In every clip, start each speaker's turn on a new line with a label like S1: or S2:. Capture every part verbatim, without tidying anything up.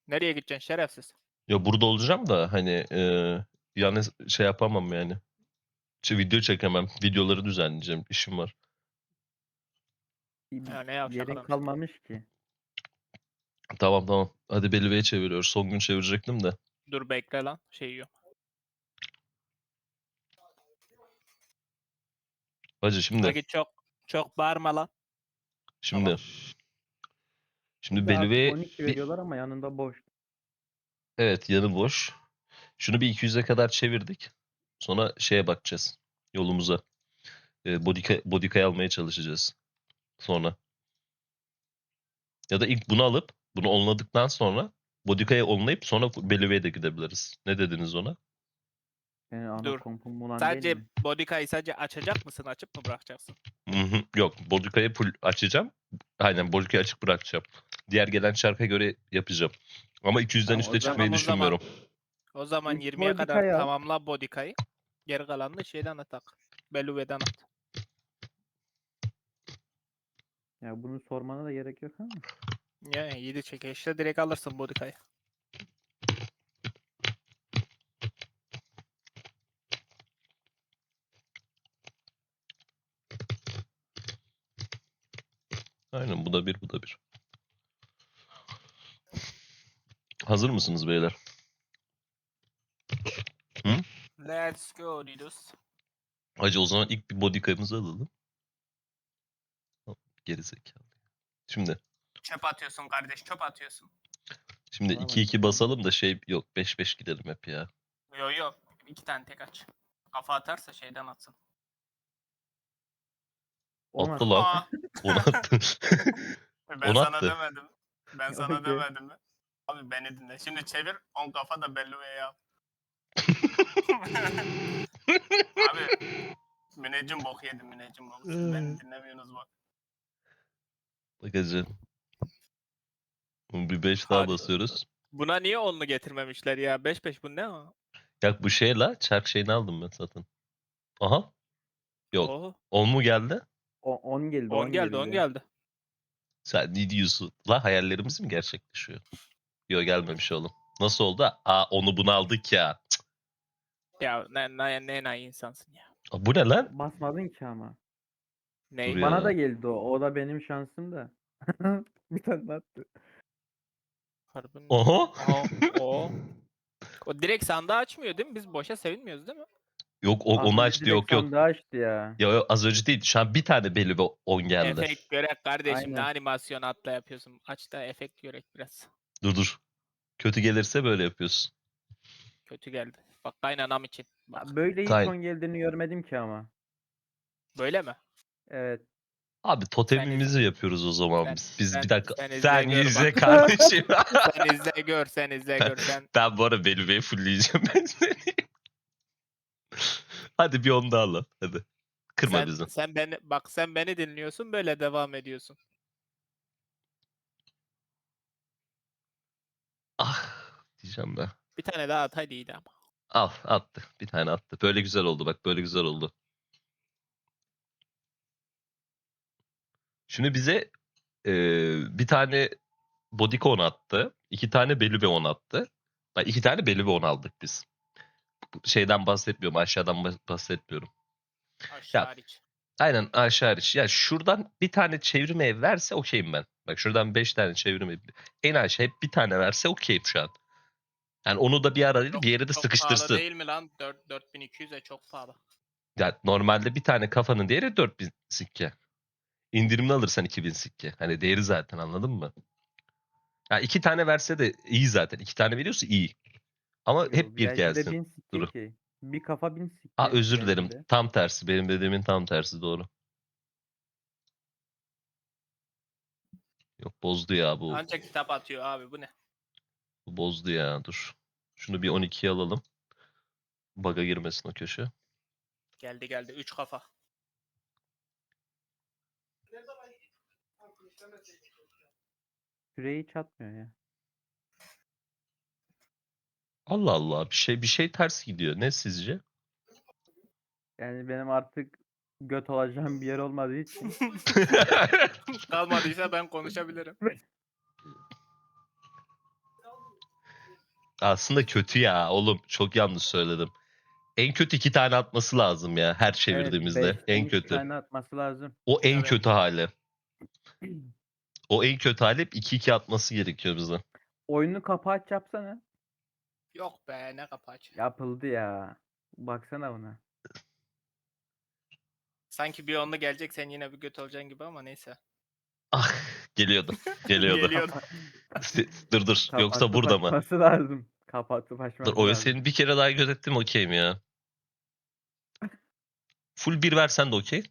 S1: Nereye gideceksin şerefsiz?
S2: Ya burada olacağım da hani e, yani şey yapamam yani. Şey, video çekemem. Videoları düzenleyeceğim. İşim var.
S1: Ya ne yavşak
S3: Yerin
S1: adam.
S3: kalmamış ki.
S2: Tamam tamam. Hadi Belliva'ya çeviriyoruz. Son gün çevirecektim de.
S1: Dur bekle lan. Şey yiyor.
S2: Hacı şimdi.
S1: Hadi çok çok bağırma lan.
S2: Şimdi.
S1: Tamam.
S2: Şimdi
S3: Bir de artık
S2: Belliva'ya
S3: on iki
S2: bir,
S3: veriyorlar ama yanında boş.
S2: evet yanı boş. Şunu bir iki yüze kadar çevirdik. Sonra şeye bakacağız. Yolumuza. E, Bodika, Bodika'yı almaya çalışacağız. Sonra. Ya da ilk bunu alıp bunu onladıktan sonra Bodika'ya onlayıp sonra Belliva'ya da gidebiliriz. Ne dediniz ona?
S3: Yani ana
S1: Dur.
S3: kompum bulan
S1: Sadece
S3: değil mi?
S1: Bodika'yı sadece açacak mısın? Açıp mı bırakacaksın?
S2: Hı hı. Yok. Bodika'yı full açacağım. Aynen Bodika'yı açık bırakacağım. Diğer gelen çarka göre yapacağım. Ama iki yüzden
S3: Tamam,
S2: üste
S3: o zaman-
S2: çıkmayı
S1: o zaman-
S2: düşünmüyorum.
S1: O zaman
S3: İlk
S1: yirmiye kadar
S3: Bodika'yı al.
S1: tamamla Bodika'yı. Geri kalanını şeyden atak. Beluve'den at.
S3: Ya bunu sormana da gerek yok ama.
S1: Ya yedi çekişte direkt alırsın Bodika'yı.
S2: Aynen bu da bir bu da bir. Hazır mısınız beyler?
S1: Let's go Didus.
S2: Hacı o zaman ilk bir Bodika'mızı alalım. Geri zekalı. Şimdi.
S1: Çöp atıyorsun kardeş, çöp atıyorsun.
S2: Şimdi
S3: Valla
S2: iki iki basalım da şey yok. beş beş gidelim hep ya.
S1: Yo yo. İki tane tek aç. Kafa atarsa şeyden atsın.
S3: On
S2: Attı
S3: at.
S2: lan.
S1: Aa,
S2: Onu attı.
S1: ben
S2: Onu
S1: sana
S2: attı.
S1: demedim. Ben sana
S3: Okey.
S1: demedim mi? Abi beni dinle. Şimdi çevir. On kafa da Belluve'ye yap. Abi müneccim bok yedim müneccim bok. Siz beni dinlemiyorsunuz bak.
S2: Bak hacı. Bir beş daha
S1: Hadi.
S2: basıyoruz.
S1: Buna niye onlu getirmemişler ya? beş beş bu ne o?
S2: Ya bu şey la. Çark şeyini aldım ben zaten. Aha. Yok.
S1: Oho.
S2: on mu geldi?
S3: O- on geldi.
S1: on geldi on geldi.
S2: Sen ne diyorsun? La hayallerimiz mi gerçekleşiyor? Yok gelmemiş oğlum. Nasıl oldu? Aa onu bunu aldık ya. Cık.
S1: Ya ne ne ne ne insansın ya.
S2: Aa, bu ne lan?
S3: Basmadın ki ama.
S1: Ney?
S2: Dur ya.
S3: Bana da geldi o. O da benim şansım da. Bir tane attı.
S1: Harbiden.
S2: Oho.
S1: Aha, o. O direkt sandığı açmıyor değil mi? Biz boşa sevinmiyoruz değil mi?
S2: Yok o,
S3: Az
S2: onu
S3: önce
S2: açtı
S3: direkt
S2: yok yok.
S3: sandığı açtı ya.
S2: Ya yok, az önce değil. Şu an bir tane belli bir on geldi.
S1: Efekt görek kardeşim ne
S3: Aynen.
S1: animasyon atla yapıyorsun. Aç da efekt görek biraz.
S2: Dur dur. Kötü gelirse böyle yapıyorsun.
S1: Kötü geldi. Bak kaynanam için. Bak.
S3: Böyle hiç
S2: Kay-
S3: on geldiğini görmedim ki ama.
S1: Böyle mi?
S3: Evet.
S2: Abi totemimizi yapıyoruz o zaman
S1: sen-
S2: biz. Biz
S1: sen-
S2: bir dakika.
S1: sen izle
S2: Sen
S1: gör
S2: izle
S1: bak.
S2: kardeşim.
S1: Sen izle gör sen izle gör sen.
S2: Ben bu ara Belüve'yi fullleyeceğim ben seni. Hadi bir on daha al. Hadi. Kırma
S1: sen,
S2: bizi.
S1: sen beni bak sen beni dinliyorsun böyle devam ediyorsun.
S2: Ah diyeceğim ben.
S1: Bir tane daha at hadi iyiydi ama.
S2: Al attı. Bir tane attı. Böyle güzel oldu bak. Böyle güzel oldu. Şimdi bize e, bir tane Bodycon attı. İki tane Belüve on attı. Bak iki tane Belüve on aldık biz. Şeyden bahsetmiyorum. Aşağıdan bah- bahsetmiyorum.
S1: Aşağı
S2: Ya.
S1: hariç.
S2: Aynen aşağı hariç. Ya şuradan bir tane çevirme ev verse okeyim ben. Bak şuradan beş tane çevirme ev. En aşağı hep bir tane verse okeyim şu an. Yani onu da bir ara değil
S1: Çok,
S2: bir yere de
S1: çok
S2: sıkıştırsın.
S1: pahalı değil mi lan? dört dört bin iki yüze çok pahalı.
S2: Ya normalde bir tane kafanın değeri dört bin sikke. İndirimli alırsan iki bin sikke. Hani değeri zaten anladın mı? Ya iki tane verse de iyi zaten. İki tane veriyorsa iyi. Ama
S3: Yo,
S2: hep bir
S3: V I P'de
S2: gelsin.
S3: bin sikke
S2: Dur.
S3: ki. Bir kafa bin sikke.
S2: Aa özür dilerim.
S3: V I P'de.
S2: Tam tersi. Benim dediğimin tam tersi doğru. Yok bozdu ya bu.
S1: Ancak kitap atıyor abi bu ne?
S2: Bu bozdu ya dur. Şunu bir on ikiye alalım. Bug'a girmesin o köşe.
S1: Geldi geldi üç kafa.
S3: Süreyi hiç atmıyor ya.
S2: Allah Allah bir şey bir şey ters gidiyor. Ne sizce?
S3: Yani benim artık göt olacağım bir yer olmadığı için.
S1: Kalmadıysa ben konuşabilirim.
S2: Aslında kötü ya oğlum. Çok yanlış söyledim. En kötü iki tane atması lazım ya her
S3: Evet,
S2: çevirdiğimizde.
S3: beşten
S2: En
S3: iki
S2: kötü.
S3: tane atması lazım.
S2: O en
S1: Evet.
S2: kötü hali. O en kötü hali hep iki iki atması gerekiyor bize.
S3: Oyunu kapaç yapsana.
S1: Yok be ne kapaç.
S3: Yapıldı ya. Baksana buna.
S1: Sanki bir onlu gelecek sen yine bir göt olacaksın gibi ama neyse.
S2: Ah geliyordu. Geliyordu.
S1: Geliyor.
S2: Si- dur dur. Yoksa
S3: Kapatıp
S2: burada mı?
S3: açması lazım. Kapatıp
S2: Dur
S3: açması
S2: o
S3: lazım.
S2: senin bir kere daha gözettim okeyim ya. Full bir versen de okey.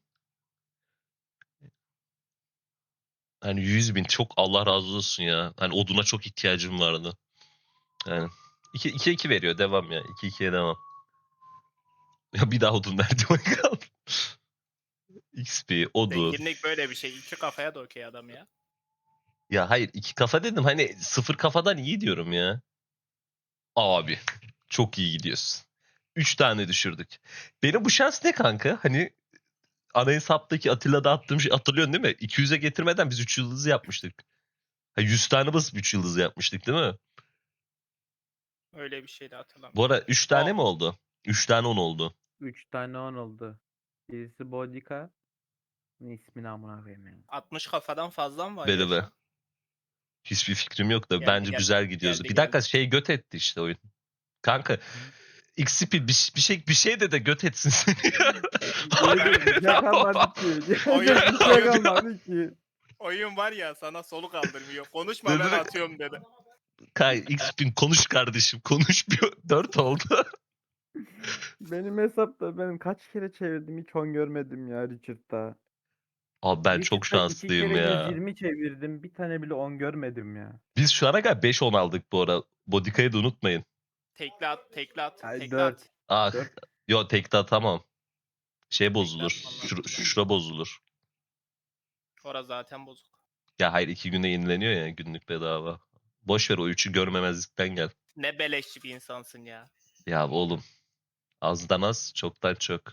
S2: Hani yüz bin çok Allah razı olsun ya. Hani oduna çok ihtiyacım vardı. Yani iki iki iki veriyor devam ya. iki ikiye devam. Ya bir daha odun verdi bakalım. X P, odu.
S1: Zenginlik böyle bir şey. İki kafaya da okey adam ya.
S2: Ya hayır iki kafa dedim hani sıfır kafadan iyi diyorum ya. Abi çok iyi gidiyorsun. Üç tane düşürdük. Benim bu şans ne kanka? Hani ana hesaptaki Atilla'da attığım şey hatırlıyorsun değil mi? iki yüze getirmeden biz üç yıldızı yapmıştık. Ha, yüz tane basıp üç yıldızı yapmıştık değil mi?
S1: Öyle bir şey de hatırlamıyorum.
S2: Bu ara üç tane
S1: Aa.
S2: mi oldu? üç tane on oldu.
S3: üç tane on oldu. Birisi Bodika. İsmini amına koyayım yani.
S1: altmış kafadan fazla mı var
S2: Beri
S1: ya
S2: be.
S1: şu an?
S2: Hiçbir fikrim yok da
S1: Geldi,
S2: bence
S1: geldi.
S2: güzel gidiyoruz.
S1: Geldi,
S2: Bir dakika
S1: geldi.
S2: şey göt etti işte oyun. Kanka X-Speed bir, bir şey bir şey de de göt etsin seni.
S3: Diyecek bir şey kalmadı ki. Diyecek
S1: Oyun-
S3: bir şey
S1: oyun-
S3: kalmadı ki.
S1: Oyun var ya sana soluk aldırmıyor. Konuşma
S2: Ne
S1: ben
S2: demek?
S1: atıyorum dedi.
S2: Kay X-Speed konuş kardeşim konuş bir dört oldu.
S3: Benim hesapta ben kaç kere çevirdim hiç on görmedim ya Richard'da.
S2: Abi ben çok
S3: Richard'da iki
S2: şanslıyım
S3: kere
S2: ya.
S3: yüz yirmi çevirdim. Bir tane bile on görmedim ya.
S2: Biz şu ana kadar beş on aldık bu ara. Bodika'yı da unutmayın.
S1: Tekli at, tekli at,
S3: Ay,
S1: tekli
S3: dört.
S1: at.
S2: Ah.
S3: Dört.
S2: Yo tekte atamam. Şey bozulur.
S1: atmam lazım.
S2: Şura, şura bozulur.
S1: Orası zaten bozuk.
S2: Ya hayır iki günde yenileniyor ya günlük bedava. Boş ver o üçü görmemezlikten gel.
S1: Ne beleşçi bir insansın ya.
S2: Ya oğlum. Azdan az çoktan çok.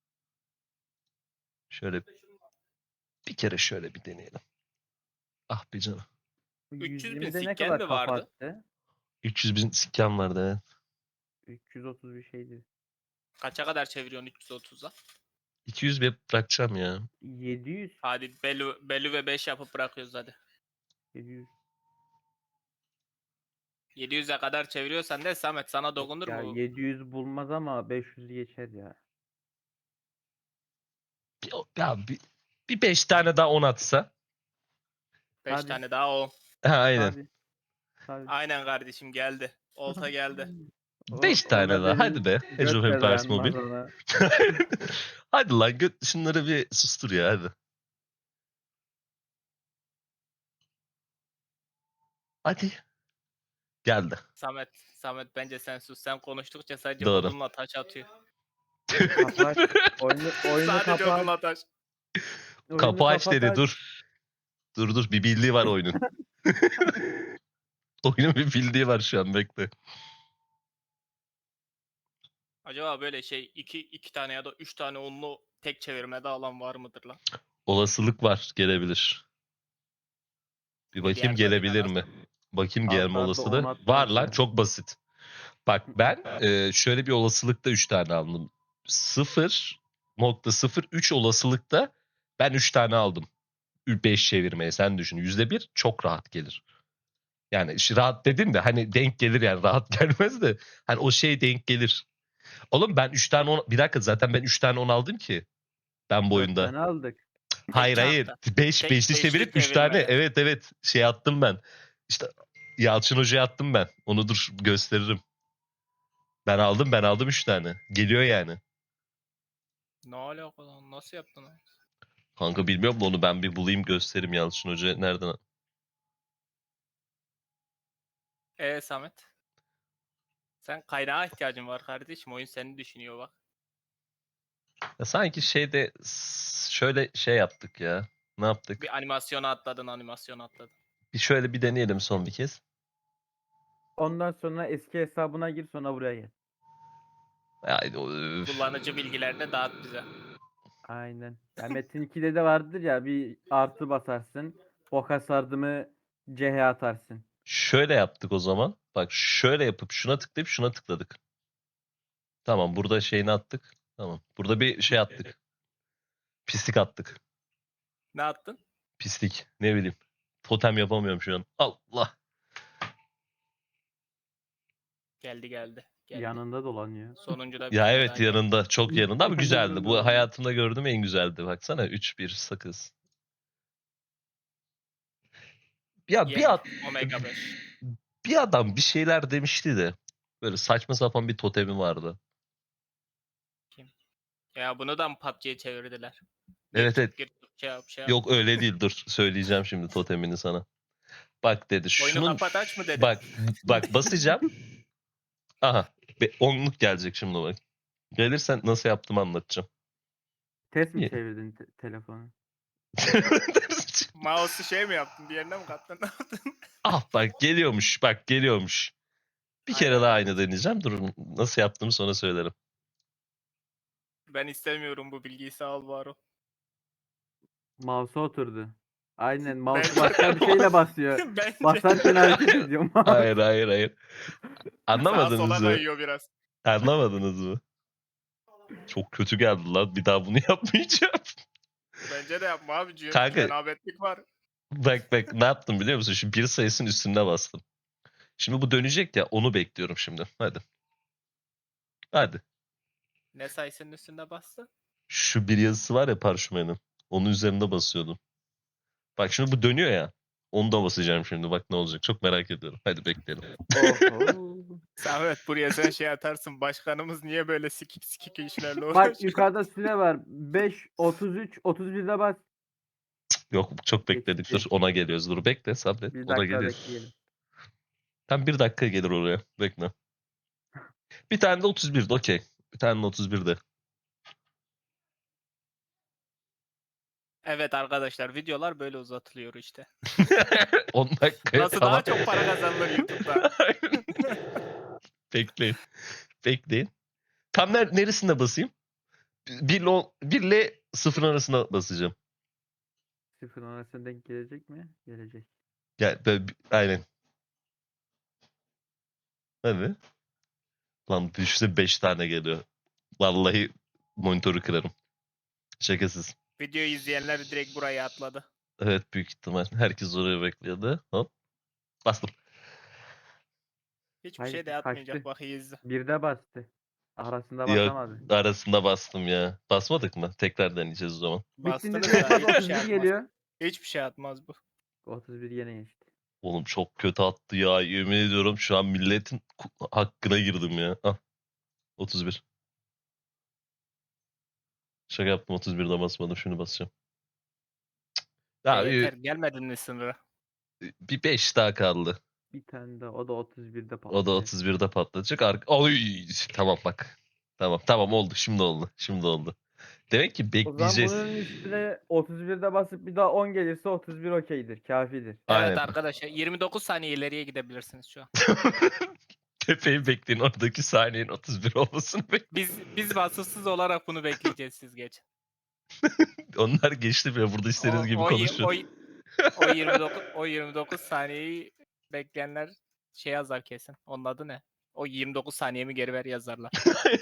S2: Şöyle bir kere şöyle bir deneyelim. Ah be canım.
S1: üç yüz bin
S3: yüz yirmide ne
S1: sikken
S3: kadar
S1: mi vardı?
S3: kapattı?
S2: üç yüz bin sikken vardı evet.
S3: üç yüz otuz bir şeydi.
S1: Kaça kadar çeviriyorsun üç yüz otuza?
S2: iki yüz bir bırakacağım ya.
S3: yedi yüz.
S1: Hadi Belü, Belü ve beş yapıp bırakıyoruz hadi.
S3: yedi yüz.
S1: yedi yüze kadar çeviriyorsan de Samet sana dokunur
S3: Ya
S1: mu?
S3: yedi yüz bulmaz ama beş yüz geçer ya.
S2: Bir, ya bir, bir beş tane daha on atsa.
S1: beş
S3: Hadi.
S1: tane daha o.
S2: Ha, aynen.
S3: Hadi. Hadi.
S1: Aynen kardeşim geldi. Olta geldi.
S3: O-
S2: beş tane
S3: ona
S2: daha.
S3: benim
S2: Hadi be. Age
S3: göt
S2: of
S3: de
S2: Empires
S3: dayanmaz
S2: Mobile.
S3: ona.
S2: Hadi lan göt şunları bir sustur ya hadi. Hadi. Geldi.
S1: Samet, Samet bence sen sus. Sen konuştukça sadece
S2: Doğru.
S1: odunla taş atıyor.
S3: Kapat. Oyunu, oyunu
S1: sadece
S3: kapat.
S1: odunla taş.
S3: Oyunu
S2: Kapı aç
S3: kapat,
S2: dedi
S3: aç.
S2: dur. Dur dur bir bildiği var oyunun. Oyunun bir bildiği var şu an bekle.
S1: Acaba böyle şey iki, iki tane ya da üç tane onlu tek çevirmede alan var mıdır lan?
S2: Olasılık var gelebilir. Bir bakayım
S1: Diğer
S2: gelebilir
S1: bölümden
S2: mi? Bakayım
S3: Alt
S2: gelme
S3: alta
S2: olasılığı.
S3: on atmaz
S2: Var lan
S3: ya.
S2: çok basit. Bak ben e, şöyle bir olasılıkta üç tane aldım. sıfır nokta sıfır üç olasılıkta ben üç tane aldım. beş çevirmeye sen düşün. yüzde bir çok rahat gelir. Yani işte rahat dedim de hani denk gelir yani rahat gelmez de hani o şey denk gelir. Oğlum ben üç tane on, bir dakika zaten ben üç tane on aldım ki ben bu
S3: Dört
S2: oyunda.
S3: tane aldık.
S2: Hayır hayır.
S1: çanta.
S2: beş
S1: Tek
S2: beşli
S1: beşli
S2: çevirip üç tane
S1: çevirmeli.
S2: evet evet şey attım ben. İşte Yalçın Hoca'ya attım ben. Onu dur gösteririm. Ben aldım ben aldım üç tane. Geliyor yani.
S1: Ne alaka lan? Nasıl yaptın lan?
S2: Kanka bilmiyorum da onu ben bir bulayım göstereyim Yalçın Hoca nereden.
S1: Ee Samet? Sen kaynağa ihtiyacın var kardeşim. Oyun seni düşünüyor bak.
S2: Ya sanki şeyde s- şöyle şey yaptık ya. Ne yaptık?
S1: Bir animasyona atladın, animasyona atladın.
S2: Bir şöyle bir deneyelim son bir kez.
S3: Ondan sonra eski hesabına gir sonra buraya gel.
S2: Haydi, öf.
S1: Kullanıcı bilgilerini dağıt bize.
S3: Aynen. Ya Metin ikide de vardır ya bir artı basarsın. Boka sardı mı C H atarsın.
S2: Şöyle yaptık o zaman. Bak şöyle yapıp şuna tıklayıp şuna tıkladık. Tamam burada şeyini attık. Tamam. Burada bir şey attık. Pislik attık.
S1: Ne attın?
S2: Pislik. Ne bileyim. Totem yapamıyorum şu an. Allah.
S1: Geldi geldi. geldi.
S3: Yanında dolanıyor.
S1: Sonuncu da bir
S2: Ya
S1: tane
S2: evet
S1: daha geldi.
S2: yanında. Çok yanında ama güzeldi.
S3: Yanında
S2: Bu
S3: olan.
S2: hayatımda gördüğüm en güzeldi. Baksana üç bir sakız. Ya bir,
S1: Yeni
S2: ad-
S1: Omega beş.
S2: bir adam bir şeyler demişti de. Böyle saçma sapan bir totemi vardı.
S1: Ya bunu da mı P U B G'ye çevirdiler?
S2: Evet,
S1: Gir
S2: evet.
S1: tut, gir tut, şey yap, şey yap.
S2: Yok öyle değil dur. Söyleyeceğim şimdi totemini sana. Bak dedi.
S1: Oyunu
S2: Şunun
S1: kapat aç mı dedi?
S2: bak bak basacağım. Aha. Be, onluk gelecek şimdi bak. Gelirsen nasıl yaptığımı anlatacağım.
S3: Test mi
S2: İyi.
S3: çevirdin te- telefonu?
S1: Mouse'u şey mi yaptın? Bir yerine mi kattın? Ne yaptın?
S2: Ah bak geliyormuş. Bak geliyormuş. Bir kere
S1: Aynen,
S2: daha
S1: aynen.
S2: aynı deneyeceğim. Durun nasıl yaptığımı sonra söylerim.
S1: Ben istemiyorum bu bilgiyi, sağ ol Baro.
S3: Mouse'a oturdu. Aynen mouse
S1: Ben-
S3: başka bir şeyle basıyor.
S1: Bence
S3: Basarken hareket ediyor mouse.
S2: Hayır hayır hayır.
S1: sağa
S2: Anlamadınız
S1: sola
S2: mı?
S1: kayıyor biraz.
S2: Anlamadınız mı? Çok kötü geldi lan. Bir daha bunu yapmayacağım.
S1: Bence de yapma abicim.
S2: Kanka-
S1: Cenabetlik var.
S2: Bak bak ne yaptım biliyor musun? Şimdi bir sayısının üstüne bastım. Şimdi bu dönecek ya onu bekliyorum şimdi. Hadi. Hadi.
S1: Ne sayısının üstünde bastı?
S2: Şu bir yazısı var ya parşömenin. Onun üzerinde basıyordum. Bak şimdi bu dönüyor ya. Onu da basacağım şimdi. Bak ne olacak. Çok merak ediyorum. Hadi bekleyelim.
S3: Oho.
S1: Samet buraya sen şey atarsın. Başkanımız niye böyle sikik sikik işlerle uğraşıyor?
S3: Bak yukarıda süre var. beş, otuz üç, otuz birde bas.
S2: Yok çok bekledik. Dur
S3: Geçti.
S2: ona geliyoruz. Dur bekle sabret.
S3: Bir
S2: Ona
S3: dakika
S2: geliyor.
S3: bekleyelim.
S2: Tam bir dakika gelir oraya. Bekle. Bir tane de otuz birde okey. Bir tane de otuz birde.
S1: Evet arkadaşlar, videolar böyle uzatılıyor işte.
S2: on dakika.
S1: Nasıl
S2: tamam.
S1: daha çok para kazanılır YouTube'da?
S2: Bekleyin. Bekleyin. Tam ner neresinde basayım? bir ile bir ile sıfır arasında basacağım.
S3: Sıfır arasına denk gelecek mi? Gelecek.
S2: Yani böyle, bir- aynen. Hadi. Lan düşse beş tane geliyor. Vallahi monitörü kırarım. Şakasız.
S1: Videoyu izleyenler direkt buraya atladı.
S2: Evet büyük ihtimal. Herkes oraya bekliyordu. Hop. Bastım.
S1: Hiçbir
S3: Hayır,
S1: şey de atmayacak,
S3: kaçtı.
S1: bak iyi izle.
S3: Birde bastı. Arasında
S2: Yok
S3: basamadı.
S2: arasında bastım ya. Basmadık mı? Tekrar deneyeceğiz o zaman.
S3: Bittiğinde
S1: Bastınız
S3: direkt
S1: da
S3: bas
S1: hiçbir şey
S3: otuz bir
S1: atmaz.
S3: geliyor.
S1: Hiçbir şey atmaz bu.
S3: otuz bir yine geçti.
S2: Oğlum çok kötü attı ya. Yemin ediyorum şu an milletin ku- hakkına girdim ya. Ah. otuz bir. Şaka yaptım otuz birde basmadım. Şunu basacağım. Cık. Ya
S1: E, yeter,
S2: bir,
S1: gelmedin mi sınıra?
S2: bir beş daha kaldı.
S3: Bir tane de o da otuz birde
S2: O da
S3: patlayacak.
S2: otuz birde patlayacak. Ar Oy, tamam bak. Tamam tamam oldu. Şimdi oldu. Şimdi oldu. Demek ki
S3: O zaman
S2: bekleyeceğiz.
S3: bunun üstüne otuz birde basıp bir daha on gelirse otuz bir okeydir. Kafidir.
S2: Aynen.
S1: Evet arkadaşlar, yirmi dokuz saniye ileriye gidebilirsiniz şu an.
S2: Tepeyi bekleyin. Oradaki saniyenin otuz bir olmasını bekleyin.
S1: Biz biz vasıfsız olarak bunu bekleyeceğiz, siz geç.
S2: Onlar geçti bile. Burada istediğiniz gibi
S1: o, y-
S2: konuşun.
S1: o, y- o yirmi dokuz o yirmi dokuz saniyeyi bekleyenler şey yazar kesin. Onun adı ne? O yirmi dokuz saniyemi geri ver yazarlar.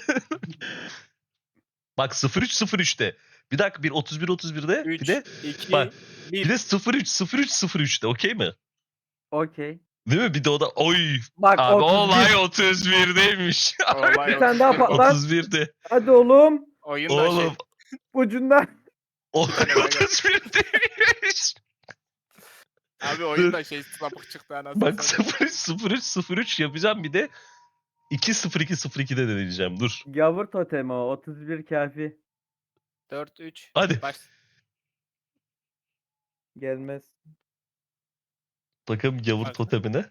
S2: Bak sıfır üç sıfır üçte. Bir dakika bir otuz bir otuz birde.
S1: üç,
S2: Bir de
S1: iki,
S2: bak,
S1: bir.
S2: bir de sıfır üç sıfır üç sıfır üçte. Okey mi?
S3: Okey.
S2: Değil mi? Bir de o da oy.
S3: Bak
S2: Abi
S3: otuz bir.
S2: olay otuz birdeymiş.
S1: Olay
S3: Bir tane daha
S1: otuz bir.
S3: patlat.
S2: otuz birde.
S3: Hadi oğlum.
S1: Oyun da şey.
S2: Oğlum
S3: Ucundan.
S2: olay
S1: tane daha gel.
S2: otuz birdeymiş.
S1: Abi oyun da şey sapık çıktı anasını
S2: Bak
S1: satayım.
S2: sıfır üç sıfır üç sıfır üç yapacağım bir de iki sıfır iki sıfır ikide deneyeceğim. Dur.
S3: Gavur totemi o. otuz bir kafi.
S1: dört üç.
S2: Hadi.
S1: Baş.
S3: Gelmez.
S2: Bakalım gavur
S1: Bak.
S2: totemine.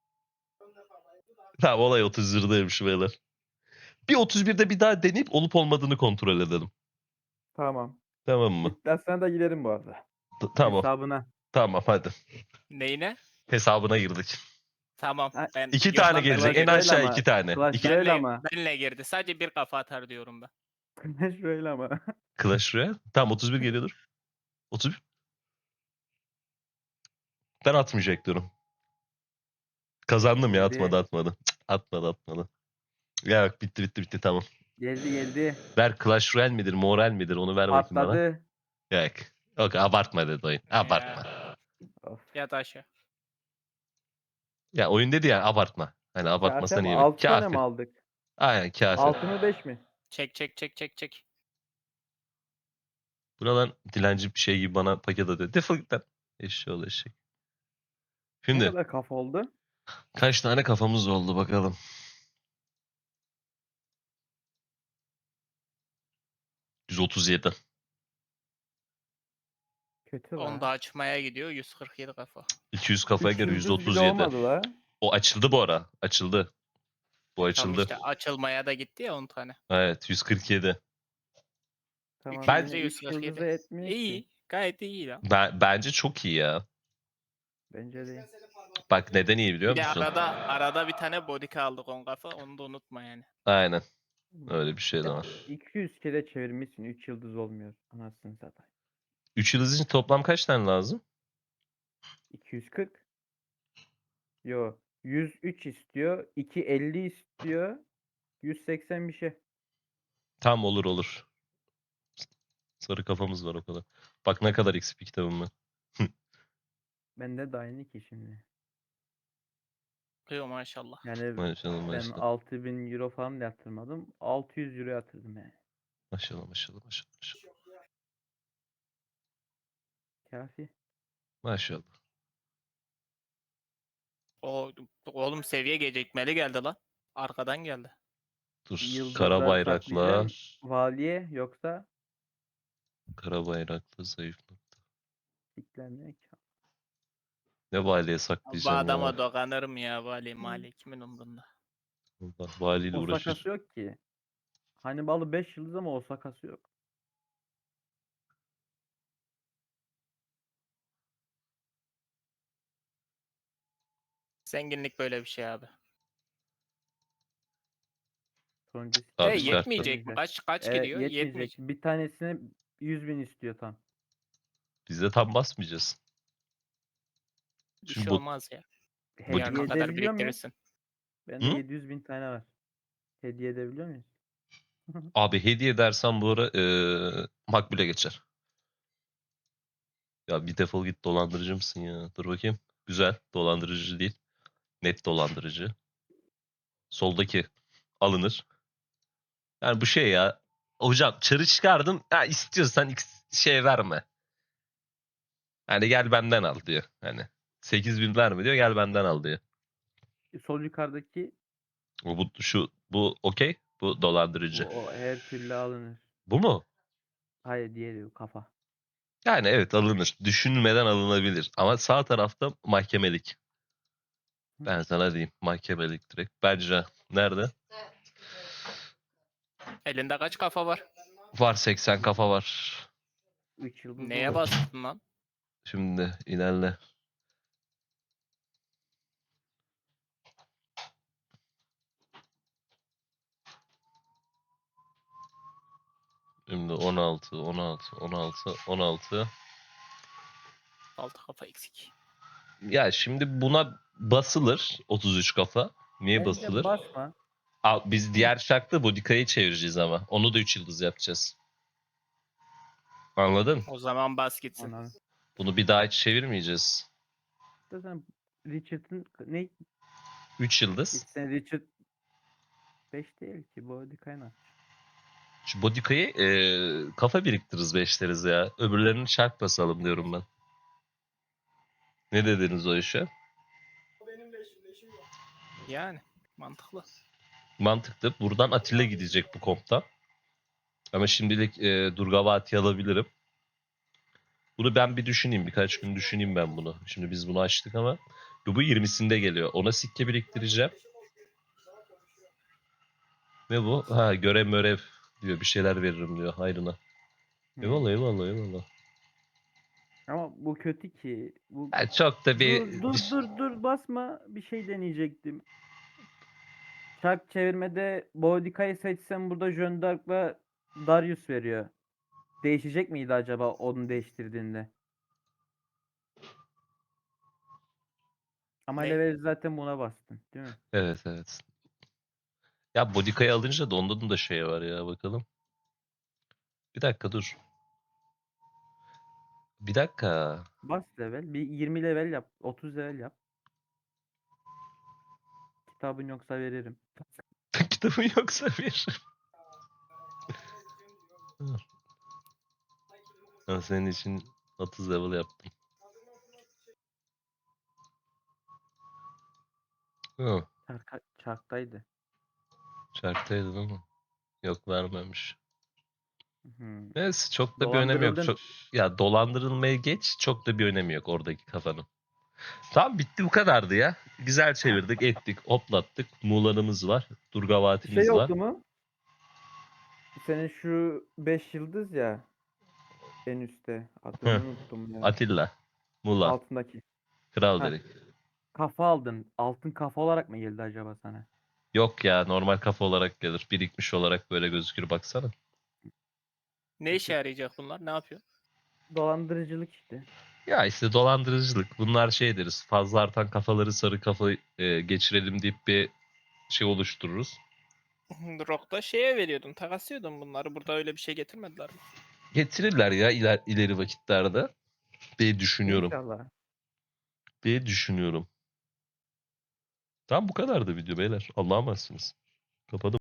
S2: Tamam olay otuz birdeymiş beyler. Bir otuz birde bir daha deneyip olup olmadığını kontrol edelim.
S3: Tamam.
S2: Tamam mı?
S3: İddiasına da girerim bu arada.
S2: T- tamam.
S3: Hesabına.
S2: Tamam hadi.
S1: Neyine?
S2: Hesabına girdik.
S1: Tamam.
S3: Ha,
S1: Ben
S2: İki
S1: Yok
S2: tane
S1: lan,
S2: gelecek.
S1: benle
S2: En
S1: girdi.
S2: aşağı
S3: ama-
S2: iki tane.
S3: Clash
S2: İki...
S3: Royale
S1: Benle,
S3: ama.
S1: benle girdi. Sadece bir kafa atar diyorum ben.
S3: Şöyle ama.
S2: Clash Royale. Tamam otuz bir geliyordur. otuz bir. Ben atmayacak diyorum. Kazandım ya,
S3: Geldi.
S2: atmadı atmadı. Cık, atmadı atmadı. Ya bak, bitti bitti bitti, tamam.
S3: Geldi geldi.
S2: Ver, Clash Royale midir, Moral midir, onu ver bakayım bana.
S3: Patladı.
S2: Yok. Yok, abartma dedi oyun. Abartma.
S1: Ya,
S3: Of.
S1: yat aşağı.
S2: Ya oyun dedi ya, abartma. Hani
S3: Kafi
S2: abartmasan
S3: ama
S2: iyi.
S3: altı tane
S2: Kafi.
S3: mi aldık?
S2: Aynen kafi.
S3: altı mı beş mi?
S1: Çek çek çek çek çek.
S2: Buradan dilenci bir şey gibi bana paket atıyor. Defol git lan. Eşşoğlu eşek.
S3: Ne
S2: Şimdi
S3: kadar kafa oldu?
S2: kaç tane kafamız oldu bakalım. yüz otuz yedi.
S3: Kötü
S1: Onu
S3: la.
S1: da açmaya gidiyor. yüz kırk yedi kafa.
S2: iki yüz kafaya
S3: Üç
S2: göre
S3: yıldız bile
S2: yüz otuz yedi.
S3: olmadı la.
S2: O açıldı bu ara. Açıldı. Bu
S1: Tam
S2: açıldı.
S1: işte açılmaya da gitti ya on tane.
S2: Evet, yüz kırk yedi.
S3: Tamam
S2: Ben-
S3: yine üç yıldıza
S1: yüz kırk yedi.
S3: etmiyor ki.
S1: İyi. Gayet iyi lan.
S2: Ben, bence çok iyi ya.
S3: Bence değil.
S2: Bak neden iyi biliyor
S1: Bir de
S2: musun?
S1: arada arada bir tane bodyka aldık on kafa. Onu da unutma yani.
S2: Aynen. Öyle bir şey de var.
S3: iki yüz kere çevirmişsin. üç yıldız olmuyor. Anasını satayım.
S2: üç yıldız için toplam kaç tane lazım?
S3: iki yüz kırk. Yo. yüz üç istiyor. iki yüz elli istiyor. yüz seksen bir şey.
S2: Tam olur olur. Sarı kafamız var o kadar. Bak ne kadar X P kitabım ben.
S3: Bende de aynı ki şimdi.
S1: Kıyor maşallah.
S3: Yani
S2: Maşallah
S3: ben
S2: maşallah.
S3: altı bin euro falan da yatırmadım. altı yüz euro yatırdım yani.
S2: Maşallah maşallah maşallah. Maşallah.
S3: Kafi.
S2: Maşallah.
S1: O oğlum seviye gecikmeli geldi lan. Arkadan geldi.
S2: Dur.
S3: Yıldızda
S2: Kara bayrakla.
S3: saklayacağım. Valiye yoksa
S2: Kara bayrakla zayıf nokta.
S3: siklenmiyor ki.
S2: Ne valiye
S1: Bu
S2: saklayacağım
S1: adama
S2: ya.
S1: dokanırım ya vali mali kimin umrunda.
S2: Allah, valiyle uğraşır.
S3: Osaka'sı yok ki. Hannibal'ı beş yıldız ama Osaka'sı yok.
S1: Zenginlik böyle bir şey abi.
S3: Sonuncu
S2: Abi
S1: E
S3: sitede
S2: çıkarttı.
S1: yetmeyecek mi? Kaç kaç
S3: Evet,
S1: gidiyor?
S3: yetmeyecek.
S1: Yetmeyecek.
S3: Bir tanesine yüz bin istiyor tam.
S2: Biz de tam basmayacağız.
S1: Bir
S2: Şimdi
S1: şey
S2: bu-
S1: olmaz ya.
S3: Hediye
S1: Yarına kadar
S3: edebiliyor muyuz?
S1: biriktirirsin.
S3: Bende
S2: Hı?
S3: yedi yüz bin tane var. Hediye edebiliyor muyuz?
S2: Abi hediye dersen bu ara eee makbule geçer. Ya bir defol git, dolandırıcı mısın ya? Dur bakayım. Güzel. Dolandırıcı değil. Net dolandırıcı. Soldaki alınır. Yani bu şey ya. Hocam çarı çıkardım. Ha, istiyorsan X şey verme. Hani gel benden al diyor. Hani sekiz bin verme diyor, gel benden al diyor.
S3: Sol yukarıdaki
S2: Bu, bu şu bu okey. Bu
S3: o,
S2: dolandırıcı.
S3: o her türlü alınır.
S2: Bu mu?
S3: Hayır diğeri o kafa.
S2: Yani evet, alınır. Düşünmeden alınabilir. Ama sağ tarafta mahkemelik. Ben sana diyeyim. Mahkemelik direkt. Bence nerede?
S1: Elinde kaç kafa var?
S2: Var, seksen kafa var.
S3: üç yıldız
S1: Neye
S3: olur.
S1: bastın lan?
S2: Şimdi ilerle. Şimdi on altı, on altı, on altı, on altı.
S1: Altı kafa eksik.
S2: Ya şimdi buna basılır otuz üç kafa. Niye
S3: Bence
S2: basılır?
S3: basma.
S2: Aa, biz diğer şarkıda Bodika'yı çevireceğiz ama. Onu da üç yıldız yapacağız. Anladın?
S1: O zaman bas gitsin.
S3: Anam.
S2: Bunu bir daha hiç çevirmeyeceğiz.
S3: Zaten Richard'ın ne?
S2: üç yıldız.
S3: Sen Richard beş değil ki. Body kaynak.
S2: Şu Bodika'yı eee, kafa biriktiririz, beşleriz ya. Öbürlerini şark basalım diyorum ben. Ne dediniz o işe?
S1: Yani mantıklı.
S2: Mantıklı. Buradan Atilla gidecek bu kompta. Ama şimdilik eee Durgavati alabilirim. Bunu ben bir düşüneyim. Birkaç gün düşüneyim ben bunu. Şimdi biz bunu açtık ama bu yirmisinde geliyor. Ona sikke biriktireceğim. Ne bu? Ha, görev mörev diyor. Bir şeyler veririm diyor. Hayrına. Eyvallah eyvallah eyvallah.
S3: Ama bu kötü ki. Bu
S2: Yani çok da bir...
S3: dur dur dur dur basma. Bir şey deneyecektim. Çark çevirmede Boudica'yı seçsem burada Jeanne d'Arc'la Darius veriyor. Değişecek miydi acaba onu değiştirdiğinde? Ama
S1: Ne?
S3: level zaten buna bastın, değil mi?
S2: Evet evet. Ya Bodika'yı alınca da ondan da şey var ya bakalım. Bir dakika dur. Bir dakika.
S3: Bas level. Bir yirmi level yap. otuz level yap. Kitabın yoksa veririm.
S2: Kitabın yoksa bir. Ben senin için otuz level yaptım. Hı,
S3: Çarka, çarktaydı.
S2: çarktaydı değil mi? Yok vermemiş.
S3: Hmm.
S2: Neyse çok da bir önemi yok.
S3: Dolandırıldın.
S2: Çok, ya dolandırılmayı geç çok da bir önemi yok oradaki kafanın. Tamam bitti bu kadardı ya. Güzel çevirdik ettik hoplattık. Muğla'nımız var.
S3: Şey
S2: Durgavati'miz var.
S3: oldu mu? Senin şu beş yıldız ya en üstte. Adını
S2: Hı,
S3: unuttum ya.
S2: Atilla. Muğla.
S3: Altındaki.
S2: Kral
S3: Heh,
S2: dedik.
S3: kafa aldın. Altın kafa olarak mı geldi acaba sana?
S2: Yok ya normal kafa olarak gelir. Birikmiş olarak böyle gözükür baksana.
S1: Ne işe yarayacak bunlar? Ne yapıyor?
S3: Dolandırıcılık işte.
S2: Ya işte dolandırıcılık. Bunlar şey deriz. Fazla artan kafaları sarı kafa e, geçirelim deyip bir şey oluştururuz.
S1: Rock'ta şeye veriyordun, takaslıyordun bunları. Burada öyle bir şey getirmediler mi?
S2: Getirirler ya iler, ileri vakitlerde. diye düşünüyorum.
S3: İnşallah.
S2: diye düşünüyorum. Tam bu kadardı video beyler. Allah'a emanetsiniz. Kapadım.